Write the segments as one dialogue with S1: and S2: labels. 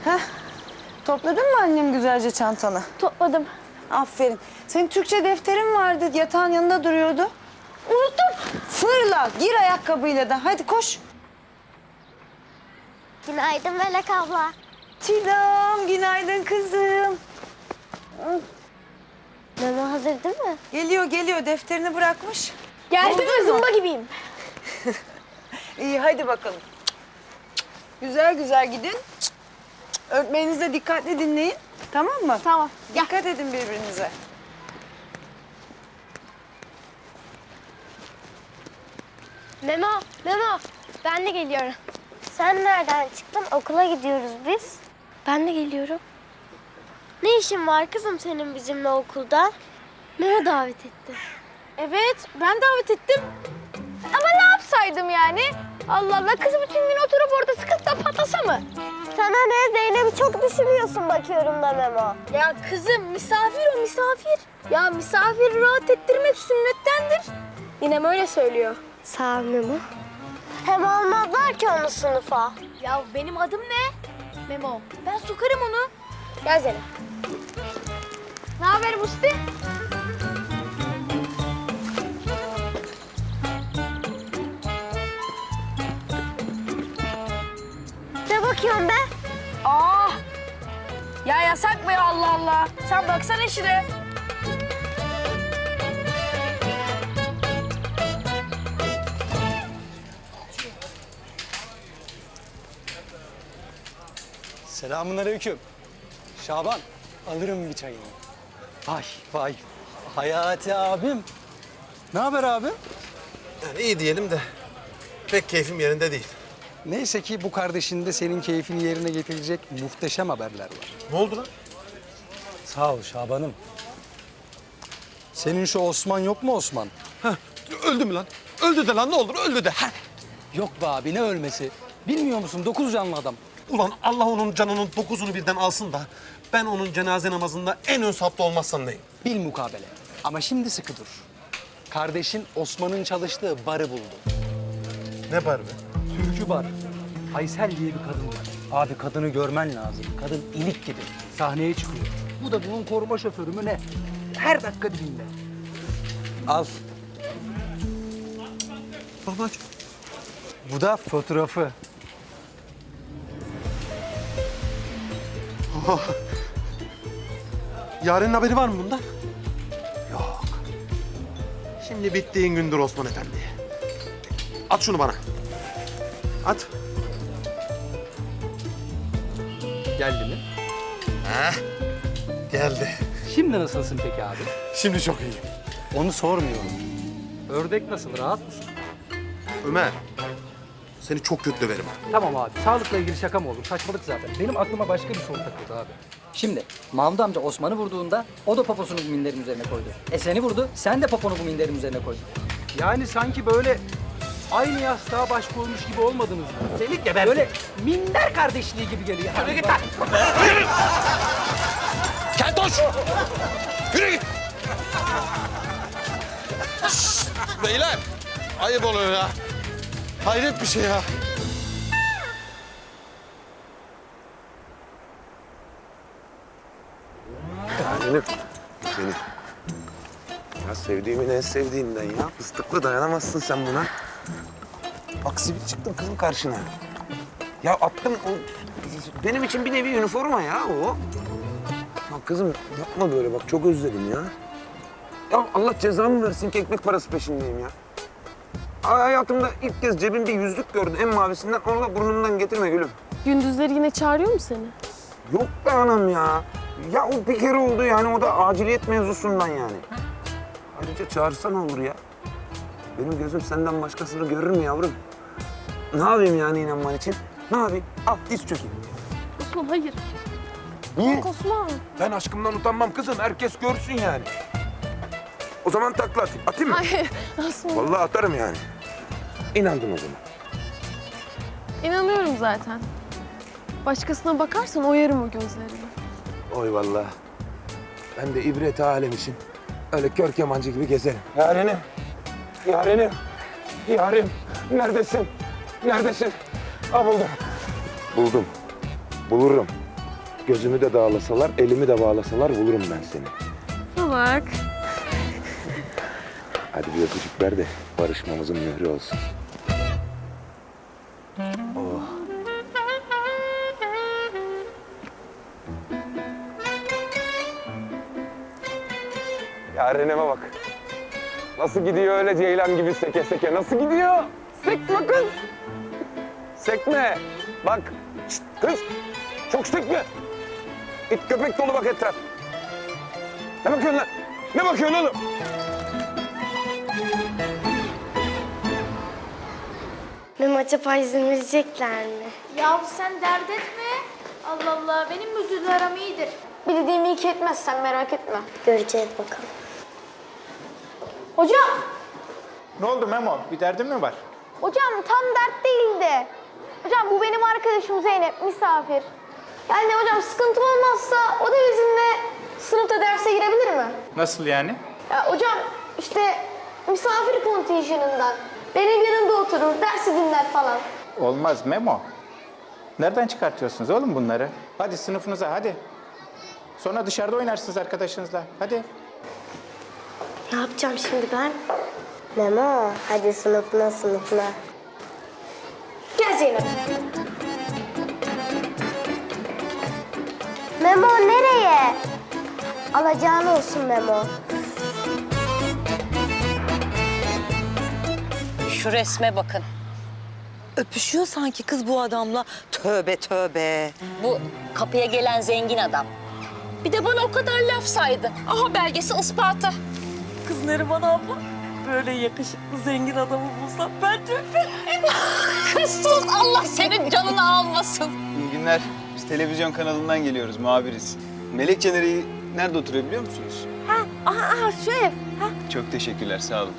S1: Heh. Topladın mı annem güzelce çantanı?
S2: Topladım.
S1: Aferin. Senin Türkçe defterin vardı, yatağın yanında duruyordu.
S2: Unuttum.
S1: Fırla, gir ayakkabıyla da. Hadi koş.
S2: Günaydın Melek abla.
S1: Çiğdem, günaydın kızım.
S2: Memo hazır değil mi?
S1: Geliyor. Defterini bırakmış.
S2: Geldim
S1: Buldun
S2: ve
S1: mu?
S2: zımba gibiyim.
S1: İyi, hadi bakalım. Güzel gidin. Öğretmeninizi de dikkatli dinleyin. Tamam mı?
S2: Tamam.
S1: Dikkat edin birbirinize.
S2: Memo. Ben de geliyorum. Sen nereden çıktın? Okula gidiyoruz biz. Ben de geliyorum. Ne işin var kızım senin bizimle okulda? Memo davet etti. Evet, ben davet ettim. Ama ne yapsaydım yani? Allah Allah, kız bütün gün oturup orada sıkıntıdan patlasa mı? Sana ne? Zeynep'i çok düşünüyorsun bakıyorum da Memo. Ya kızım, misafir o, misafir. Ya misafiri rahat ettirmek sünnettendir. Yine öyle söylüyor. Sağ ol Memo. Hem almazlar ki onu sınıfa. Ya benim adım ne? Memo. Ben sokarım onu. Gel Zeynep. Ne haber Musti? Ne bakıyorsun be?
S3: Aa! Ya yasak be Allah Allah. Sen baksana işine.
S4: Selamünaleyküm. Şaban, alırım bir çayını. Vay. Hayati abim. Ne haber abi?
S5: Yani iyi diyelim de pek keyfim yerinde değil.
S4: Neyse ki bu kardeşinde senin keyfini yerine getirecek muhteşem haberler var.
S5: Ne oldu lan?
S4: Sağ ol Şaban'ım. Senin şu Osman yok mu Osman?
S5: Heh, öldü mü lan? Öldü de lan ne olur öldü de. Heh.
S4: Yok be abi ne ölmesi? Bilmiyor musun 9 canlı adam.
S5: Ulan Allah onun canının 9'unu birden alsın da ben onun cenaze namazında en ön safta olmazsam neyim?
S4: Bil mukabele. Ama şimdi sıkı dur. Kardeşin Osman'ın çalıştığı barı buldu.
S5: Ne var be?
S4: Türkü bar. Aysel diye bir kadın var. Abi kadını görmen lazım. Kadın ilik gibi. Sahneye çıkıyor. Bu da bunun koruma şoförü mü ne? Her dakika dibinde. Al.
S5: Babacığım.
S4: Bu da fotoğrafı.
S5: Yaren'in haberi var mı bundan?
S4: Yok.
S5: Şimdi bittiğin gündür Osman Efendi. At şunu bana. At.
S4: Geldi mi?
S5: Heh. Geldi.
S4: Şimdi nasılsın peki abi?
S5: Şimdi çok iyiyim.
S4: Onu sormuyorum. Ördek nasıl? Rahat mısın?
S5: Ömer. Seni çok kötü döverim.
S4: Tamam abi. Sağlıkla ilgili şaka mı olur? Saçmalık zaten. Benim aklıma başka bir soru takıldı abi. Şimdi Mahmut amca Osman'ı vurduğunda o da poposunu bu minderin üzerine koydu. Seni vurdu, sen de poponu bu minderin üzerine koydun. Yani sanki böyle aynı yastığa baş koymuş gibi olmadınız mı? Seni geberdim. Böyle minder kardeşliği gibi geliyor. Yürü git lan!
S5: Keltoş! Yürü git! Şşt! Beyler! Ayıp oluyor ya. Hayret bir şey ya.
S6: Seni. Ya sevdiğimin en sevdiğinden ya. Fıstıklı dayanamazsın sen buna. Bak sivil çıktım kızım karşına. Ya attım o... Benim için bir nevi üniforma ya o. Ya kızım yapma böyle bak çok özledim ya. Ya Allah cezamı versin ki ekmek parası peşindeyim ya. Hayatımda ilk kez cebimde yüzlük gördüm en mavisinden. Onu da burnumdan getirme gülüm.
S7: Gündüzleri yine çağırıyor mu seni?
S6: Yok be anam ya. Ya o bir kere oldu yani o da aciliyet mevzusundan yani. Ayrıca çağırsa ne olur ya? Benim gözüm senden başkasını görür mü yavrum? Ne yapayım yani inanman için? Ne yapayım? Al diz çökeyim.
S7: Osman hayır.
S6: Niye?
S7: Yok Osman.
S6: Ben aşkımdan utanmam kızım. Herkes görsün yani. O zaman takla atayım. Atayım mı?
S7: Hayır Osman.
S6: Vallahi atarım yani. İnandım o zaman.
S7: İnanıyorum zaten. Başkasına bakarsan oyarım o gözlerini.
S6: Oy vallahi. Ben de ibret alem için öyle kör kemancı gibi gezerim. Yarenim. Yarenim. Yarim. Neredesin? Neredesin? Ha buldum. Buldum. Bulurum. Gözümü de dağlasalar, elimi de bağlasalar bulurum ben seni.
S7: Salak.
S6: Hadi bir öpücük ver de barışmamızın mührü olsun. Oh. Yarenime bak. Nasıl gidiyor öyle ceylan gibi seke seke? Nasıl gidiyor? Sekme kız. Sekme. Bak. Şşt, kız. Çok sekme. İt köpek dolu bak etraf. Ne bakıyorsun lan? Ne bakıyorsun oğlum?
S2: Memo acaba izin verecekler mi?
S8: Ya sen dert etme. Allah Allah, benim müdürle aram iyidir.
S2: Bir dediğimi iki etmezsen merak etme. Göreceğiz bakalım.
S8: Hocam,
S9: Ne oldu Memo? Bir derdin mi var?
S8: hocam tam dert değildi. Hocam bu benim arkadaşım Zeynep, misafir. Yani hocam sıkıntı olmazsa o da bizimle sınıfta derse girebilir mi?
S9: Nasıl yani?
S8: Ya hocam işte misafir kontenjanından. Benim yanımda oturur, dersi dinler falan.
S9: Olmaz Memo. Nereden çıkartıyorsunuz oğlum bunları? Hadi sınıfınıza hadi. Sonra dışarıda oynarsınız arkadaşınızla. Hadi.
S2: Ne yapacağım şimdi ben? Memo hadi sınıfına sınıfına.
S8: Gel Zeynep.
S2: Memo nereye? Alacağın olsun Memo.
S10: Şu resme bakın.
S1: Öpüşüyor sanki kız bu adamla. Tövbe tövbe.
S10: Bu kapıya gelen zengin adam. Bir de bana o kadar laf saydı. Aha belgesi ispatı. Kız Neriman abla, böyle yakışıklı zengin adamı bulsam ben de öperim. Kız sus, Allah senin canını almasın.
S11: İyi günler. Biz televizyon kanalından geliyoruz, muhabiriz. Melek Caner'i nerede oturuyor biliyor musunuz?
S8: Aha şu ev.
S11: Çok teşekkürler, sağ olun.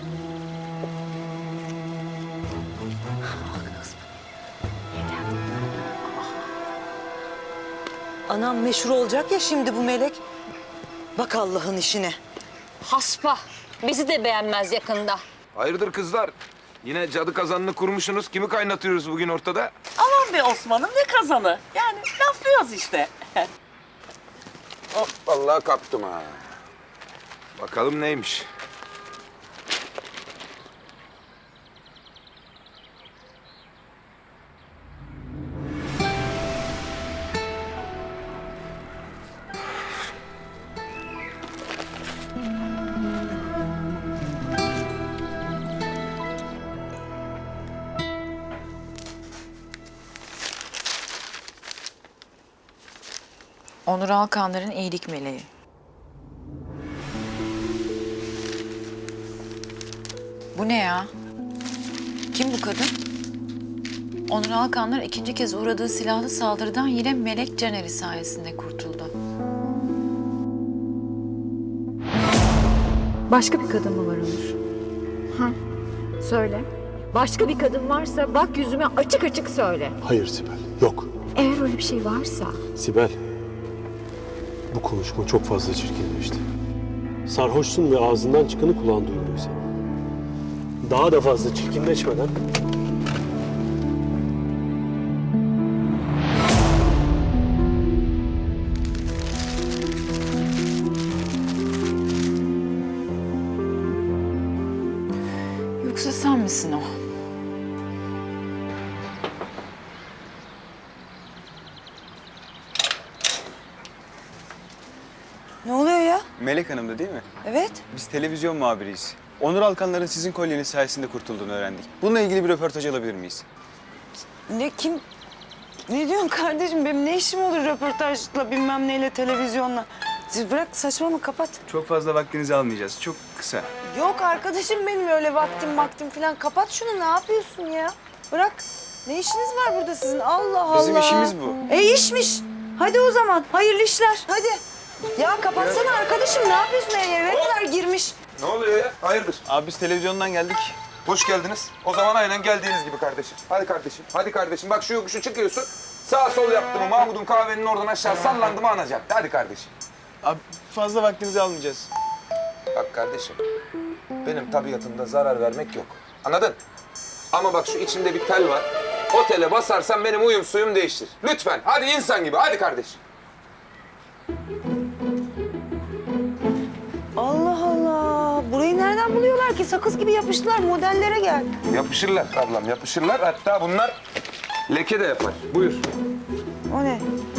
S1: Anam meşhur olacak ya şimdi bu melek. Bak Allah'ın işine.
S10: Haspa, bizi de beğenmez yakında.
S6: Hayırdır kızlar? Yine cadı kazanını kurmuşsunuz. Kimi kaynatıyoruz bugün ortada?
S12: Aman be Osman'ım ne kazanı? Yani laflıyoruz işte.
S6: Hop vallahi kaptım ha. Bakalım neymiş?
S1: Onur Alkanlar'ın iyilik meleği. Bu ne ya? Kim bu kadın? Onur Alkanlar ikinci kez uğradığı silahlı saldırıdan yine Melek Caner'i sayesinde kurtuldu.
S7: Başka bir kadın mı var Onur? Ha, söyle. Başka bir kadın varsa bak yüzüme açık açık söyle.
S5: Hayır Sibel, yok.
S7: Eğer öyle bir şey varsa
S5: Sibel, bu konuşma çok fazla çirkinleşti. Sarhoşsun ve ağzından çıkanı kulağın duymuyor senin. Daha da fazla çirkinleşmeden
S1: Yoksa sen misin o? Ne oluyor ya?
S11: Melek Hanım da değil mi?
S1: Evet.
S11: Biz televizyon muhabiriyiz. Onur Alkanlar'ın sizin kolyeniz sayesinde kurtulduğunu öğrendik. Bununla ilgili bir röportaj alabilir miyiz?
S1: Ne kim? Ne diyorsun kardeşim? Benim ne işim olur röportajla bilmem neyle televizyonla? Siz bırak saçmalama kapat.
S11: Çok fazla vaktinizi almayacağız. Çok kısa.
S1: Yok arkadaşım benim öyle vaktim falan. Kapat şunu ne yapıyorsun ya? Bırak. Ne işiniz var burada sizin? Allah Allah.
S11: Bizim işimiz bu.
S1: İşmiş. Hadi o zaman. Hayırlı işler. Hadi. Ya kapatsana arkadaşım. Ne yapıyorsun eve kadar girmiş?
S6: Ne oluyor ya? Hayırdır?
S11: Abi biz televizyondan geldik.
S6: Hoş geldiniz. O zaman aynen geldiğiniz gibi kardeşim. Hadi kardeşim. Hadi kardeşim. Bak şu yokuşu çıkıyorsun. Sağ sol yaptı mı Mahmut'un kahvenin oradan aşağı sallandı mı anacak. Hadi kardeşim.
S11: Abi fazla vaktinizi almayacağız.
S6: Bak kardeşim. Benim tabiatımda zarar vermek yok. Anladın? Ama bak şu içimde bir tel var. O tele basarsan benim uyum suyum değiştir. Lütfen. Hadi insan gibi. Hadi kardeşim.
S3: Allah Allah. Burayı nereden buluyorlar ki? Sakız gibi yapıştılar. Modellere gel.
S6: Yapışırlar ablam, yapışırlar. Hatta bunlar leke de yapar. Buyur.
S3: O ne?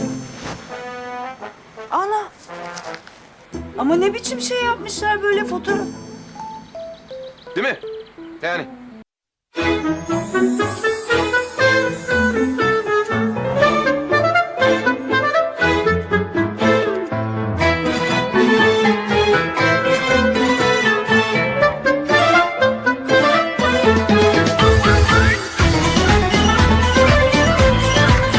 S3: Ana. Ama ne biçim şey yapmışlar böyle fotoğraf.
S6: Değil mi? Yani.